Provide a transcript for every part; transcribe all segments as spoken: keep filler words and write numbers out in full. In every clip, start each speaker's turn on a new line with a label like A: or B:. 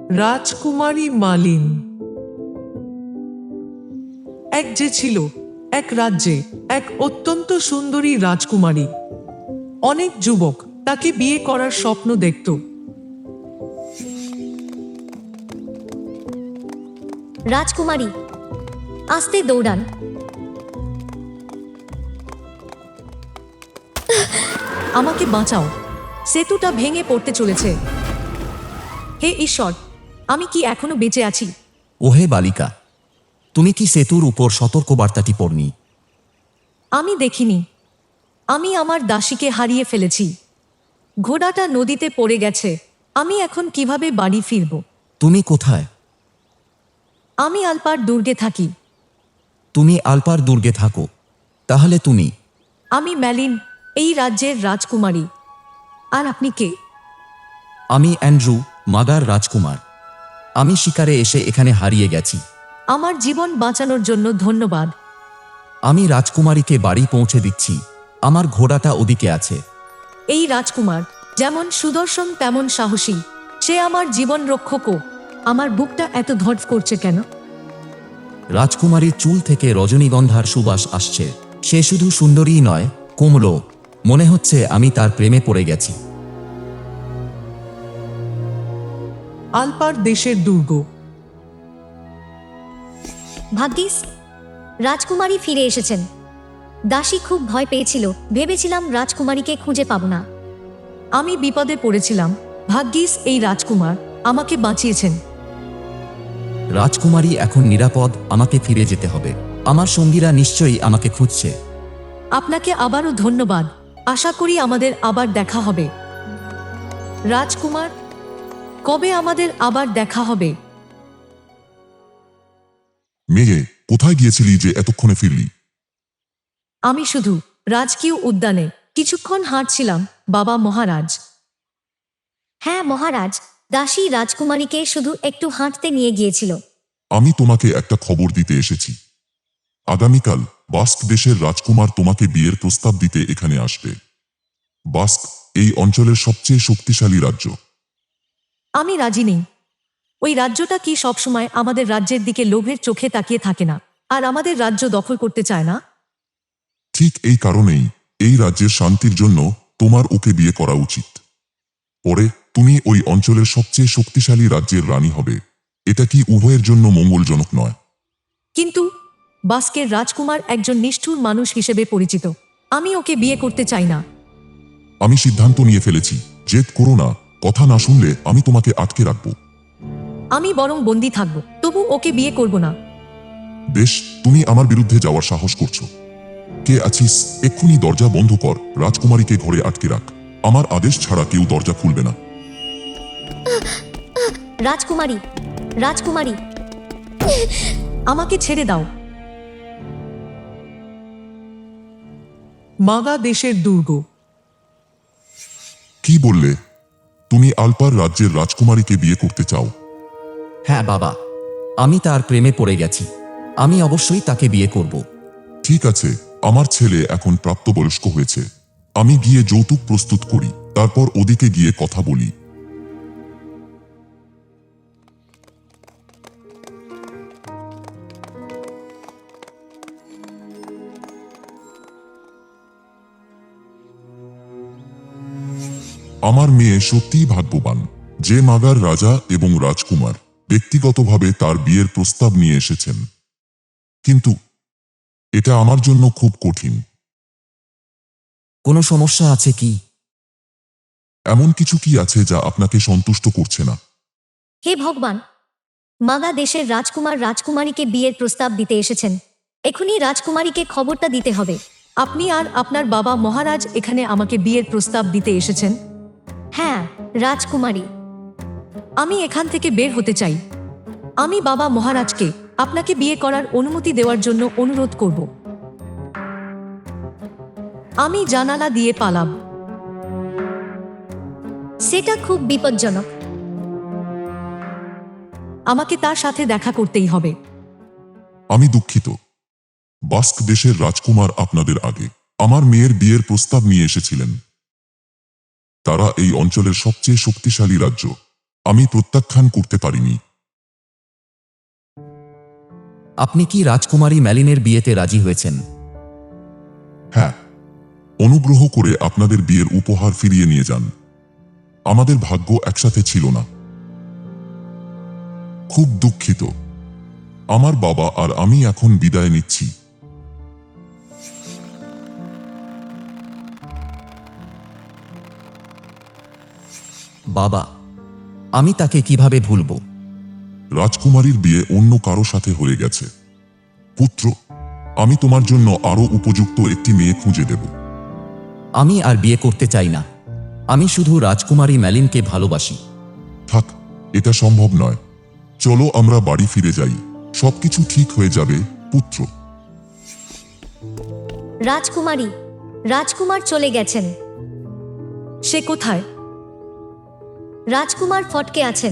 A: রাজকুমারী মালিন। এক যে ছিল এক রাজ্যে এক অত্যন্ত সুন্দরী রাজকুমারী। অনেক যুবক তাকে বিয়ে করার স্বপ্ন দেখত।
B: রাজকুমারী, আস্তে দৌড়ান। আমাকে বাঁচাও, সেতুটা ভেঙে পড়তে চলেছে। হে ঈশ্বর, আমি কি এখনো বেঁচে আছি?
C: ওহে বালিকা, তুমি কি সেতুর উপর সতর্কবার্তাটি পড়নি?
B: আমি দেখিনি। আমি আমার দাসীকে হারিয়ে ফেলেছি। ঘোড়াটা নদীতে পড়ে গেছে। আমি এখন কিভাবে বাড়ি ফিরব?
C: তুমি কোথায়?
B: আমি আলপার দুর্গে থাকি।
C: তুমি আলপার দুর্গে থাকো, তাহলে তুমি?
B: আমি ম্যালিন, এই রাজ্যের রাজকুমারী। আর আপনি কে?
C: আমি অ্যান্ড্রু, মাদার রাজকুমার। আমি শিকারে এসে এখানে হারিয়ে গেছি।
B: আমার জীবন বাঁচানোর জন্য ধন্যবাদ।
C: আমি রাজকুমারীকে বাড়ি পৌঁছে দিচ্ছি। আমার ঘোড়াটা ওদিকে আছে।
B: এই রাজকুমার যেমন সুদর্শন তেমন সাহসী। সে আমার জীবন রক্ষকও। আমার বুকটা এত ধড়ফ করছে কেন?
C: রাজকুমারীর চুল থেকে রজনীগন্ধার সুবাস আসছে। সে শুধু সুন্দরীই নয়, কোমলও। মনে হচ্ছে আমি তার প্রেমে পড়ে গেছি।
A: আলপার দেশের দুর্গ।
B: ভাগ্যিস রাজকুমারী ফিরে এসেছেন। দাসী খুব ভয় পেয়েছিল, ভেবেছিলাম রাজকুমারীকে খুঁজে পাব না। আমি বিপদে পড়েছিলাম। ভাগ্যিস এই রাজকুমার আমাকে বাঁচিয়েছেন।
C: রাজকুমারী এখন নিরাপদ। আমাকে ফিরে যেতে হবে। আমার সঙ্গীরা নিশ্চয়ই আমাকে খুঁজছে।
B: আপনাকে আবারও ধন্যবাদ। আশা করি আমাদের আবার দেখা হবে। রাজকুমার, কবে আমাদের আবার দেখা হবে?
D: মেয়ে, কোথায় গিয়েছিলি যে এতক্ষণে ফিরলি?
B: আমি শুধু রাজকীয় উদ্যানে কিছুক্ষণ হাঁটছিলাম, বাবা মহারাজ। হ্যাঁ মহারাজ, দাসী রাজকুমারীকে শুধু একটু হাঁটতে নিয়ে গিয়েছিল।
D: আমি তোমাকে একটা খবর দিতে এসেছি। আগামীকাল বাস্ক দেশের রাজকুমার তোমাকে বিয়ের প্রস্তাব দিতে এখানে আসবে। বাস্ক এই অঞ্চলের সবচেয়ে শক্তিশালী রাজ্য।
B: আমি রাজি নেই। ওই রাজ্যটা কি সবসময় আমাদের রাজ্যের দিকে লোভের চোখে তাকিয়ে থাকে না, আর আমাদের রাজ্য দখল করতে চায় না?
D: ঠিক এই কারণেই এই রাজ্যের শান্তির জন্য তোমার ওকে বিয়ে করা উচিত। পরে তুমি ওই অঞ্চলের সবচেয়ে শক্তিশালী রাজ্যের রানী হবে। এটা কি উভয়ের জন্য মঙ্গলজনক নয়?
B: কিন্তু বাস্কের রাজকুমার একজন নিষ্ঠুর মানুষ হিসেবে পরিচিত। আমি ওকে বিয়ে করতে চাই না।
D: আমি সিদ্ধান্ত নিয়ে ফেলেছি। জেদ করো না। কথা না শুনলে আমি তোমাকে আটকে রাখবো।
B: আমি বরং বন্দী থাকব, তবু ওকে বিয়ে করব না।
D: বেশ, তুমি আমার বিরুদ্ধে যাওয়ার সাহস করছো। কে আছিস? এক্ষুনি দরজা বন্ধ কর। রাজকুমারীকে ঘরে আটকে রাখ। আমার আদেশ ছাড়া কেউ দরজা খুলবে না।
B: রাজকুমারী, রাজকুমারী, আমাকে ছেড়ে দাও।
A: মাগা দেশের দুর্গ।
D: কি বললে? তুমি আলপার রাজ্যের রাজকুমারীকে বিয়ে করতে চাও?
C: হ্যাঁ বাবা, আমি তার প্রেমে পড়ে গেছি। আমি অবশ্যই তাকে বিয়ে করব।
D: ঠিক আছে, আমার ছেলে এখন প্রাপ্তবয়স্ক হয়েছে। আমি গিয়ে যৌতুক প্রস্তুত করি, তারপর ওদিকে গিয়ে কথা বলি। আমার মেয়ে সত্যিই ভাগ্যবান যে মাগার রাজা এবং রাজকুমার ব্যক্তিগতভাবে তার বিয়ের প্রস্তাব নিয়ে এসেছেন। কিন্তু এটা আমার জন্য খুব কঠিন।
C: কোনো সমস্যা আছে কি?
D: এমন কিছু কি আছে যা আপনাকে সন্তুষ্ট করছে না?
B: হে ভগবান, মাগা দেশের রাজকুমার রাজকুমারীকে বিয়ের প্রস্তাব দিতে এসেছেন। এখনই রাজকুমারীকে খবরটা দিতে হবে। আপনি আর আপনার বাবা মহারাজ এখানে আমাকে বিয়ের প্রস্তাব দিতে এসেছেন? হ্যাঁ রাজকুমারী, আমি এখান থেকে বের হতে চাই। আমি বাবা মহারাজকে আপনাকে বিয়ে করার অনুমতি দেওয়ার জন্য অনুরোধ করব। আমি জানালা দিয়ে পালাব। সেটা খুব বিপজ্জনক। আমাকে তার সাথে দেখা করতেই হবে।
D: আমি দুঃখিত। বাস্ক দেশের রাজকুমার আপনাদের আগে আমার মেয়ের বিয়ের প্রস্তাব নিয়ে এসেছিলেন। তারা এই অঞ্চলের সবচেয়ে শক্তিশালী রাজ্য। আমি প্রত্যাখ্যান করতে পারিনি।
C: আপনি কি রাজকুমারী ম্যালিনের বিয়েতে রাজি হয়েছেন?
D: হ্যাঁ, অনুগ্রহ করে আপনাদের বিয়ের উপহার ফিরিয়ে নিয়ে যান। আমাদের ভাগ্য একসাথে ছিল না। খুব দুঃখিত। আমার বাবা আর আমি এখন বিদায় নিচ্ছি।
C: বাবা, আমি তাকে কিভাবে ভুলব?
D: রাজকুমারীর বিয়ে অন্য কারো সাথে হয়ে গেছে। পুত্র, আমি তোমার জন্য আরো উপযুক্ত একটি মেয়ে খুঁজে দেব।
C: আমি আর বিয়ে করতে চাই না। আমি শুধু রাজকুমারী ম্যালিনকে ভালোবাসি।
D: থাক, এটা সম্ভব নয়। চলো আমরা বাড়ি ফিরে যাই। সবকিছু ঠিক হয়ে যাবে, পুত্র।
B: রাজকুমারী, রাজকুমার চলে গেছেন।
A: সে কোথায়?
B: রাজকুমার ফটকে আছেন।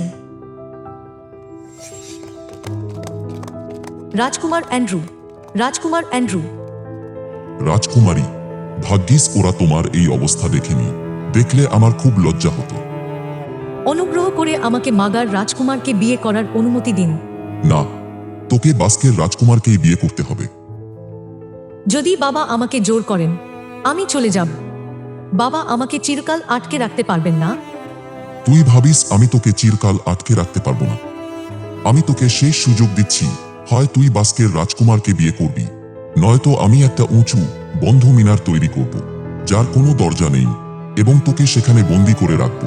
A: রাজকুমার অ্যান্ড্রু, রাজকুমার অ্যান্ড্রু।
D: রাজকুমারী, ভাগ্যিস ওরা তোমার এই অবস্থা দেখেনি। দেখলে আমার খুব লজ্জা হতো।
A: অনুগ্রহ করে আমাকে মাগার রাজকুমারকে বিয়ে করার অনুমতি দিন।
D: না, তোকে বাস্কের রাজকুমারকেই বিয়ে করতে হবে।
A: যদি বাবা আমাকে জোর করেন, আমি চলে যাব। বাবা আমাকে চিরকাল আটকে রাখতে পারবেন না।
D: তুই ভাবিস আমি তোকে চিরকাল আটকে রাখতে পারবো না? আমি তোকে শেষ সুযোগ দিচ্ছি। হয় তুই বাস্কের রাজকুমারকে বিয়ে করবি, নয়তো আমি একটা উঁচু বন্ধ মিনার তৈরি করব, যার কোনো দরজা নেই, এবং তোকে সেখানে বন্দি করে রাখব।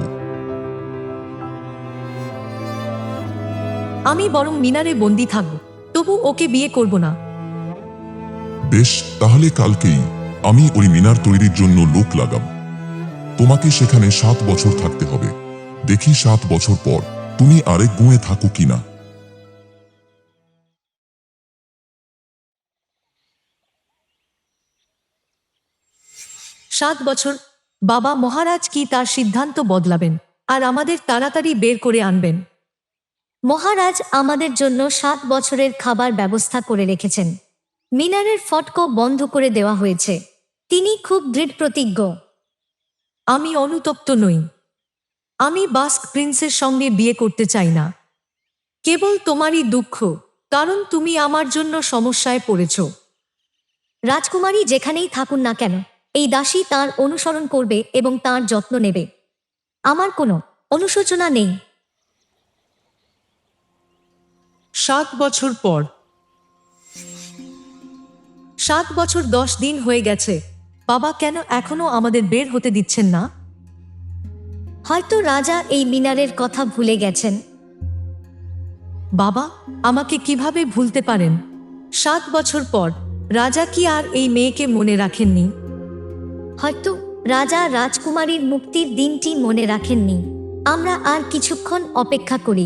A: আমি বরং মিনারে বন্দি থাকব, তবু ওকে বিয়ে করব না।
D: বেশ, তাহলে কালকেই আমি ওই মিনার তৈরির জন্য লোক লাগাব। তোমাকে সেখানে সাত বছর থাকতে হবে। দেখি সাত বছর পর তুমি আরেক গুঁয়ে থাকো কিনা।
A: সাত বছর? বাবা মহারাজ কি তার সিদ্ধান্ত বদলাবেন আর আমাদের তাড়াতাড়ি বের করে আনবেন?
B: মহারাজ আমাদের জন্য সাত বছরের খাবার ব্যবস্থা করে রেখেছেন। মিনারের ফটকও বন্ধ করে দেওয়া হয়েছে। তিনি খুব দৃঢ় প্রতিজ্ঞ।
A: আমি অনুতপ্ত নই। আমি বাস্ক প্রিন্সের সঙ্গে বিয়ে করতে চাই না। কেবল তোমারই দুঃখ, কারণ তুমি আমার জন্য সমস্যায় পড়েছ।
B: রাজকুমারী যেখানেই থাকুন না কেন, এই দাসী তার অনুসরণ করবে এবং তার যত্ন নেবে। আমার কোনো অনুশোচনা নেই।
A: সাত বছর পর। সাত বছর দশ দিন হয়ে গেছে। বাবা কেন এখনো আমাদের বের হতে দিচ্ছেন না?
B: হয়তো রাজা এই মিনারের কথা ভুলে গেছেন।
A: বাবা আমাকে কিভাবে ভুলতে পারেন? সাত বছর পর রাজা কি আর এই মেয়েকে মনে রাখেননি?
B: হয়তো রাজা রাজকুমারীর মুক্তির দিনটি মনে রাখেননি। আমরা আর কিছুক্ষণ অপেক্ষা করি।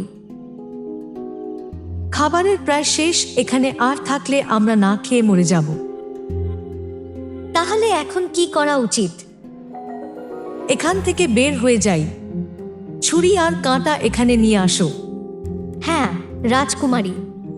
A: খাবারের প্রায় শেষ। এখানে আর থাকলে আমরা না খেয়ে মরে যাব।
B: তাহলে এখন কি করা উচিত?
A: এখান থেকে বের হয়ে যাই। ছুরি আর কাঁটা এখানে নিয়ে আসো।
B: হ্যাঁ, রাজকুমারী।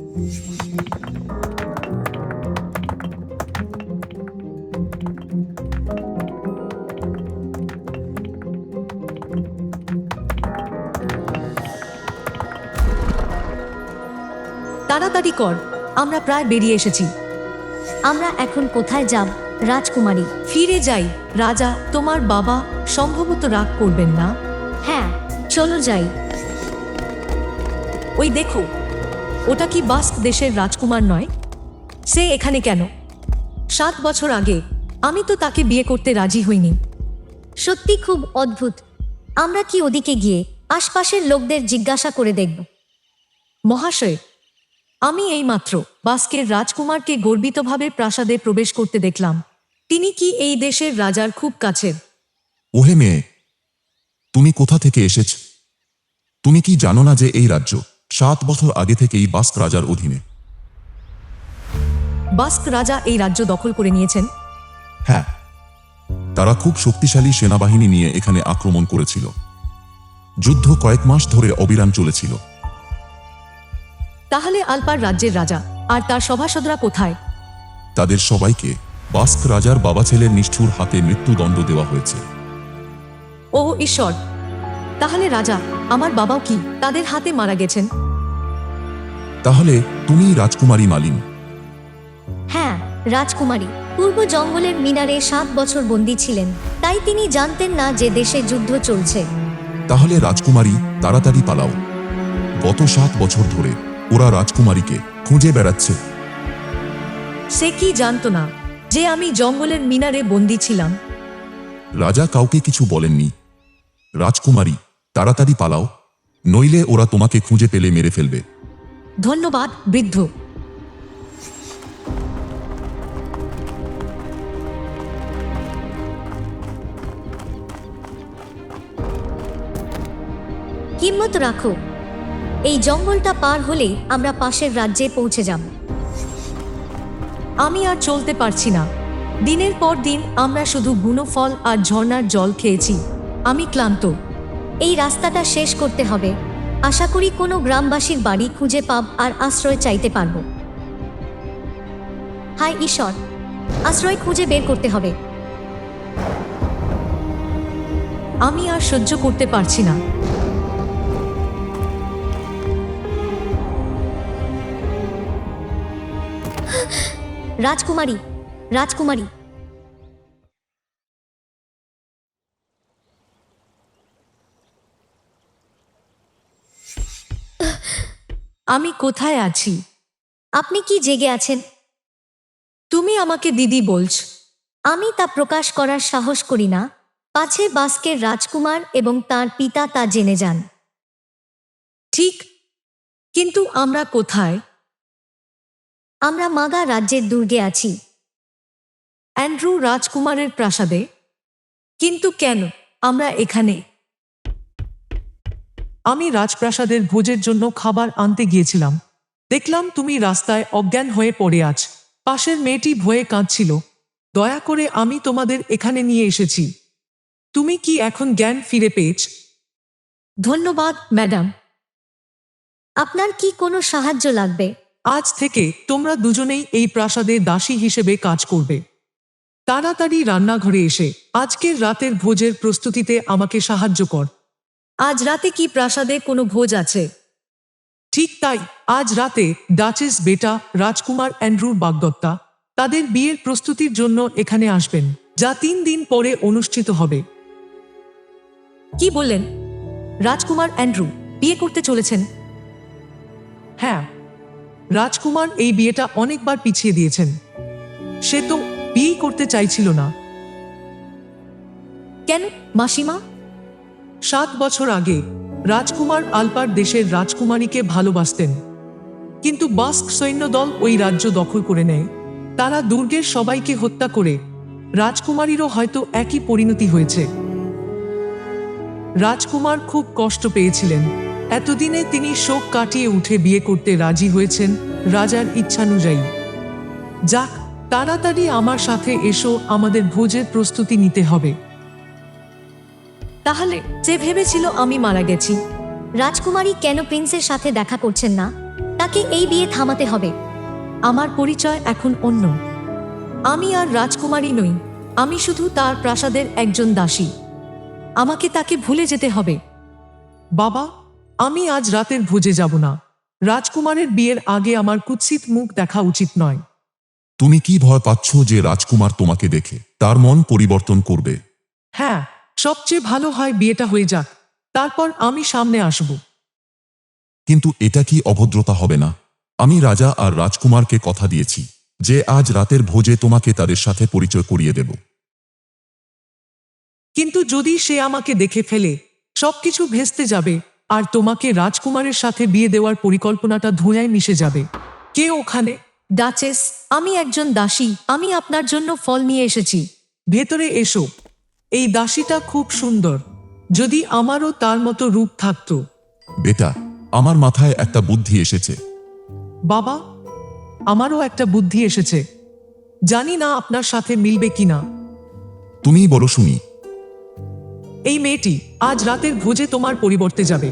A: তাড়াতাড়ি কর, আমরা প্রায় বেরিয়ে এসেছি।
B: আমরা এখন কোথায় যাব রাজকুমারী?
A: ফিরে যাই। রাজা, তোমার বাবা সম্ভবত রাগ করবেন না।
B: হ্যাঁ, চলো যাই।
A: ওই দেখো, ওটা কি বাস্ক দেশের রাজকুমার নয়? সে এখানে কেন? সাত বছর আগে আমি তো তাকে বিয়ে করতে রাজি হইনি।
B: সত্যি খুব অদ্ভুত। আমরা কি ওদিকে গিয়ে আশপাশের লোকদের জিজ্ঞাসা করে দেখব?
A: মহাশয়, আমি এইমাত্র বাস্কের রাজকুমারকে গর্বিতভাবে প্রাসাদে প্রবেশ করতে দেখলাম। তিনি কি এই দেশের রাজার খুব কাছের?
D: ওহে মেয়ে, তুমি কোথা থেকে এসেছ? তুমি কি জানো না যে এই রাজ্য সাত বছর আগে থেকেই বাস্ক রাজার অধীনে?
A: বাস্ক রাজা এই রাজ্য দখল করে নিয়েছেন?
D: হ্যাঁ, তারা খুব শক্তিশালী সেনাবাহিনী নিয়ে এখানে আক্রমণ করেছিল। যুদ্ধ কয়েক মাস ধরে অবিরাম চলেছিল।
A: তাহলে আলপার রাজ্যের রাজা আর তার সভাসদরা কোথায়?
D: তাদের সবাইকে বাস্ক রাজার বাবা ছেলের নিষ্ঠুর হাতে মৃত্যুদণ্ড দেওয়া হয়েছে।
A: ও ঈশ্বর! তাহলে রাজা, আমার বাবাও কি তাদের হাতে মারা গেছেন?
D: তাহলে তুমি রাজকুমারী মালিন।
B: হ্যাঁ, রাজকুমারী পূর্ব জঙ্গলের মিনারে সাত বছর বন্দী ছিলেন, তাই তিনি জানতেন না যে দেশে যুদ্ধ চলছে।
D: তাহলে রাজকুমারী, তাড়াতাড়ি পালাও। গত সাত বছর ধরে ওরা রাজকুমারীকে খুঁজে বেড়াচ্ছে।
A: সে কি জানতো না যে আমি জঙ্গলের মিনারে বন্দী ছিলাম?
D: রাজা কাউকে কিছু বলেননি। রাজকুমারী, তাড়াতাড়ি পালাও, নইলে ওরা তোমাকে খুঁজে পেলে মেরে ফেলবে।
A: ধন্যবাদ বৃদ্ধ।
B: হিম্মত রাখো, এই জঙ্গলটা পার হলেই আমরা পাশের রাজ্যে পৌঁছে যাব।
A: আমি আর চলতে পারছি না। দিনের পর দিন আমরা শুধু বুনো ফল আর ঝর্ণার জল খেয়েছি। আমি ক্লান্ত।
B: এই রাস্তাটা শেষ করতে হবে। আশা করি কোনো গ্রামবাসীর বাড়ি খুঁজে পাব আর আশ্রয় চাইতে পারব। হায় ঈশ্বর, আশ্রয় খুঁজে বের করতে হবে।
A: আমি আর সহ্য করতে পারছি না।
B: রাজকুমারী, রাজকুমারী,
A: আমি কোথায় আছি?
B: আপনি কি জেগে আছেন?
A: তুমি আমাকে দিদি বলছ?
B: আমি তা প্রকাশ করার সাহস করি না, পাছে বাস্কের রাজকুমার এবং তার পিতা তা জেনে যান।
A: ঠিক, কিন্তু আমরা কোথায়?
B: আমরা মাগা রাজ্যের দুর্গে আছি।
A: অ্যান্ড্রু রাজকুমারের প্রাসাদে? কিন্তু কেন আমরা এখানে?
E: আমি রাজপ্রাসাদের ভোজের জন্য খাবার আনতে গিয়েছিলাম। দেখলাম তুমি রাস্তায় অজ্ঞান হয়ে পড়ে আছ। পাশের মেয়েটি ভয়ে কাঁদছিল। দয়া করে আমি তোমাদের এখানে নিয়ে এসেছি। তুমি কি এখন জ্ঞান ফিরে পেয়েছ?
A: ধন্যবাদ ম্যাডাম।
B: আপনার কি কোনো সাহায্য লাগবে?
E: আজ থেকে তোমরা দুজনেই এই প্রাসাদে দাসী হিসেবে কাজ করবে। তাড়াতাড়ি রান্নাঘরে এসে আজকের রাতের ভোজের প্রস্তুতিতে আমাকে সাহায্য কর।
A: আজ রাতে কি প্রাসাদে কোনো ভোজ আছে?
E: ঠিক তাই, আজ রাতে ডাচেস বেটা রাজকুমার অ্যান্ড্রুর বাগদত্তা তাদের বিয়ের প্রস্তুতির জন্য এখানে আসবেন, যা তিন দিন পরে অনুষ্ঠিত হবে।
A: কি বললেন? রাজকুমার অ্যান্ড্রু বিয়ে করতে চলেছেন?
E: হ্যাঁ, রাজকুমার এই বিয়েটা অনেকবার পিছিয়ে দিয়েছেন। সে তো বিয়ে করতে চাইছিল না।
A: কেন মাসিমা?
E: সাত বছর আগে রাজকুমার আলপার দেশের রাজকুমারীকে ভালোবাসতেন, কিন্তু বাস্ক সৈন্যদল ওই রাজ্য দখল করে নেয়। তারা দুর্গের সবাইকে হত্যা করে। রাজকুমারীরও হয়তো একই পরিণতি হয়েছে। রাজকুমার খুব কষ্ট পেয়েছিলেন। এতদিনে তিনি শোক কাটিয়ে উঠে বিয়ে করতে রাজি হয়েছেন রাজার ইচ্ছানুযায়ী। যাক, তাড়াতাড়ি আমার সাথে এসো, আমাদের ভোজের প্রস্তুতি নিতে হবে।
A: তাহলে যে ভেবেছিল আমি মারা গেছি।
B: রাজকুমারী কেন প্রিন্সের সাথে দেখা করছেন না? তাকে এই বিয়ে থামাতে হবে।
A: আমার পরিচয় এখন অন্য। আমি আর রাজকুমারী নই। আমি শুধু তার প্রাসাদের একজন দাসী। আমাকে তাকে ভুলে যেতে হবে।
E: বাবা, আমি আজ রাতের ভোজে যাব না। রাজকুমারের বিয়ের আগে আমার কুৎসিত মুখ দেখা উচিত নয়।
D: তুমি কি ভয় পাচ্ছ যে রাজকুমার তোমাকে দেখে তার মন পরিবর্তন করবে?
E: হ্যাঁ, সবচেয়ে ভালো হয় বিয়েটা হয়ে যাক, তারপর আমি সামনে আসব।
D: কিন্তু এটা কি অভদ্রতা হবে না? আমি রাজা আর রাজকুমারকে কথা দিয়েছি যে আজ রাতের ভোজে তোমাকে তাদের সাথে পরিচয় করিয়ে দেব।
E: কিন্তু যদি সে আমাকে দেখে ফেলে, সবকিছু ভেস্তে যাবে, আর তোমাকে রাজকুমারের সাথে বিয়ে দেওয়ার পরিকল্পনাটা ধুঁয়ায় মিশে যাবে। কে ওখানে?
A: ডাচেস, আমি একজন দাসী। আমি আপনার জন্য ফল নিয়ে এসেছি।
E: ভেতরে এসো। এই দাসীটা খুব সুন্দর। যদি আমারও তার মতো রূপ থাকতো।
D: বেটা, আমার মাথায় একটা বুদ্ধি এসেছে।
E: বাবা, আমারও একটা বুদ্ধি এসেছে। জানি না আপনার সাথে মিলবে কিনা।
D: তুমি বলো শুনি।
E: এই মেয়েটি আজ রাতের ভোজে তোমার পরিবর্তে যাবে।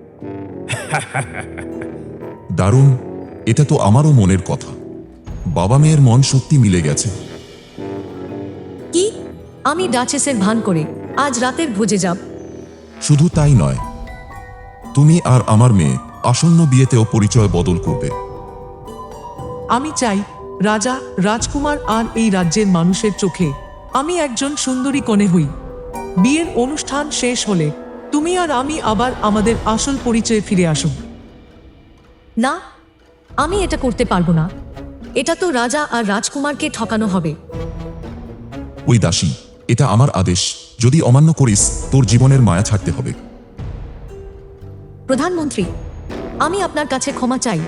D: দারুণ, এটা তো আমারও মনের কথা। বাবা মেয়ের মন সত্যি মিলে গেছে।
A: কি? আমি ডাচেসের ভান করে আজ রাতের ভোজে যাব?
D: শুধু তাই নয়, তুমি আর আমার মেয়ে আসন্ন বিয়েতেও পরিচয় বদল করবে।
E: আমি চাই রাজা, রাজকুমার আর এই রাজ্যের মানুষের চোখে আমি একজন সুন্দরী কনে হই। বিয়ের অনুষ্ঠান শেষ হলে তুমি আর আমি আবার আমাদের আসল পরিচয়ে ফিরে আসব।
A: না, আমি এটা করতে পারবো না। এটা তো রাজা আর রাজকুমারকে ঠকানো হবে।
D: ওই দাসী, এটা আমার আদেশ, যদি অমান্য করিস তোর জীবনের মায়া ছাড়তে হবে।
A: প্রধানমন্ত্রী, আমি আপনার কাছে ক্ষমা চাই।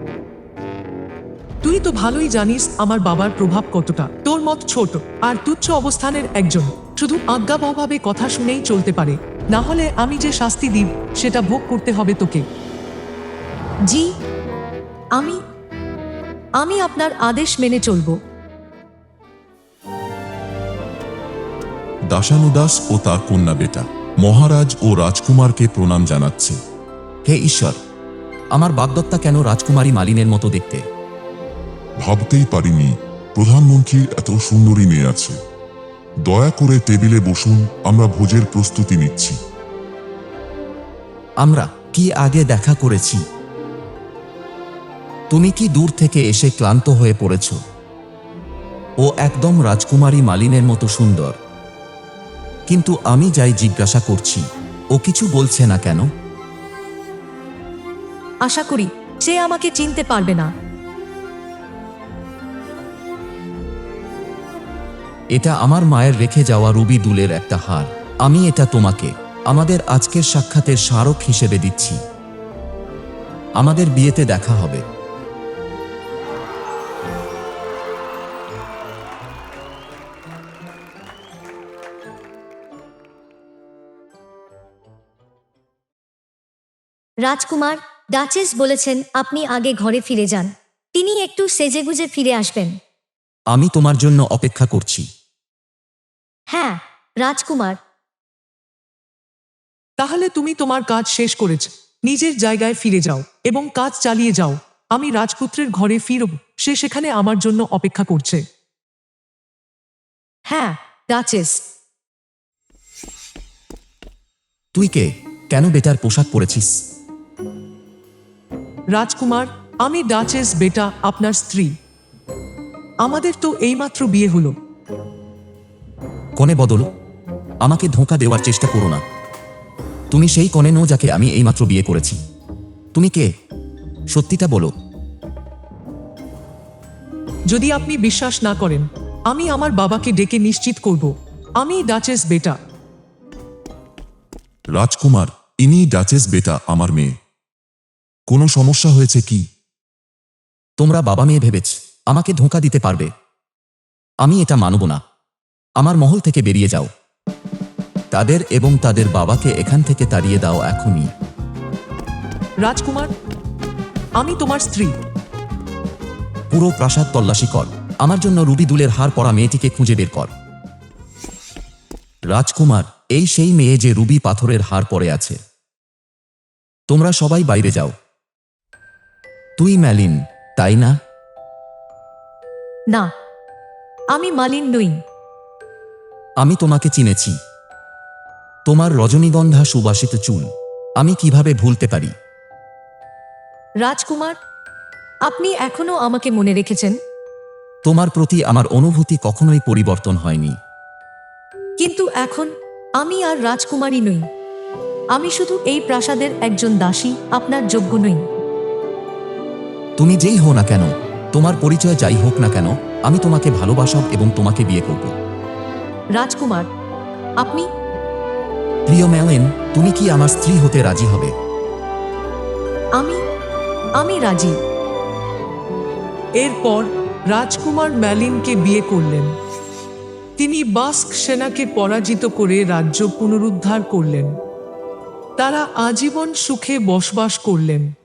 E: তুই তো ভালোই জানিস আমার বাবার প্রভাব কতটা। তোর মত ছোট আর তুচ্ছ অবস্থানের একজন শুধু আজ্ঞাবহভাবে কথা শুনেই চলতে পারে, না হলে আমি যে শাস্তি দিই সেটা ভোগ করতে হবে তোকে।
A: জি, আমি আমি আপনার আদেশ মেনে চলব।
D: দাসানুদাস ও তার কন্যা বেটা মহারাজ ও রাজকুমারকে প্রণাম জানাচ্ছে।
C: হে ঈশ্বর, আমার বাগদত্তা কেন রাজকুমারী মালিনের মতো দেখতে?
D: ভাবতেই পারিনি প্রধানমন্ত্রীর এত সুন্দরী মেয়ে আছে। দয়া করে টেবিলে বসুন, আমরা ভোজের প্রস্তুতি নিচ্ছি।
C: আমরা কি আগে দেখা করেছি? তুমি কি দূর থেকে এসে ক্লান্ত হয়ে পড়েছ? ও একদম রাজকুমারী মালিনের মতো সুন্দর, কিন্তু আমি যাই জিজ্ঞাসা করছি, ও কিছু বলছে না কেন?
A: আশা করি সে আমাকে চিনতে পারবে না।
C: এটা আমার মায়ের রেখে যাওয়া রুবি দুলের একটা হার। আমি এটা তোমাকে আমাদের আজকের সাক্ষাতের স্মারক হিসেবে দিচ্ছি। আমাদের বিয়েতে দেখা হবে।
B: রাজকুমার, ডাচেস বলেছেন আপনি আগে ঘরে ফিরে যান। তিনি একটু সেজেগুজে ফিরে আসবেন।
C: আমি তোমার জন্য অপেক্ষা করছি।
B: হ্যাঁ, রাজকুমার।
E: তাহলে তুমি তোমার কাজ শেষ করেছ, নিজের জায়গায় ফিরে যাও এবং কাজ চালিয়ে যাও। আমি রাজপুত্রের ঘরে ফিরব, সে সেখানে আমার জন্য অপেক্ষা করছে।
A: হ্যাঁ, ডাচেস।
C: তুই কে? কেন বেটার পোশাক পরেছিস?
E: রাজকুমার, আমি ডাচেস বেটা, আপনার স্ত্রী। আমাদের তো এইমাত্র বিয়ে হলো।
C: কনে বদল, আমাকে ধোঁকা দেওয়ার চেষ্টা করো না। তুমি সেই কনে নো যাকে আমি এইমাত্র বিয়ে করেছি। তুমি কে? সত্যিটা বলো।
E: যদি আপনি বিশ্বাস না করেন, আমি আমার বাবাকে ডেকে নিশ্চিত করব আমি ডাচেস বেটা।
D: রাজকুমার, ইনি ডাচেস বেটা, আমার মেয়ে। কোনো সমস্যা হয়েছে কি?
C: তোমরা বাবা মেয়ে ভেবেছ আমাকে ধোঁকা দিতে পারবে? আমি এটা মানব না। আমার মহল থেকে বেরিয়ে যাও। তাদের এবং তাদের বাবাকে এখান থেকে তাড়িয়ে দাও এখনই।
E: রাজকুমার, আমি তোমার স্ত্রী।
C: পুরো প্রাসাদ তল্লাশি কর। আমার জন্য রুবি দুলের হার পরা মেয়েটিকে খুঁজে বের কর। রাজকুমার, এই সেই মেয়ে যে রুবি পাথরের হার পরে আছে। তোমরা সবাই বাইরে যাও। তুই ম্যালিন, তাই না?
A: না, আমি মালিন নই।
C: আমি তোমাকে চিনেছি। তোমার রজনীগন্ধা সুবাসিত চুল আমি কিভাবে ভুলতে পারি?
A: রাজকুমার, আপনি এখনো আমাকে মনে রেখেছেন।
C: তোমার প্রতি আমার অনুভূতি কখনোই পরিবর্তন হয়নি।
A: কিন্তু এখন আমি আর রাজকুমারী নই। আমি শুধু এই প্রাসাদের একজন দাসী, আপনার যোগ্য নই।
C: তুমি যেই হও না কেন, তোমার পরিচয় যাই হোক না কেন, আমি তোমাকে ভালোবাসব এবং তোমাকে বিয়ে করব।
A: রাজকুমার, আপনি
C: প্রিয় ম্যালিন, তুমি কি আমার স্ত্রী হতে রাজি হবে?
A: আমি আমি রাজি।
E: এরপর রাজকুমার ম্যালিনকে বিয়ে করলেন। তিনি বাস্ক সেনাকে পরাজিত করে রাজ্য পুনরুদ্ধার করলেন। তারা আজীবন সুখে বসবাস করলেন।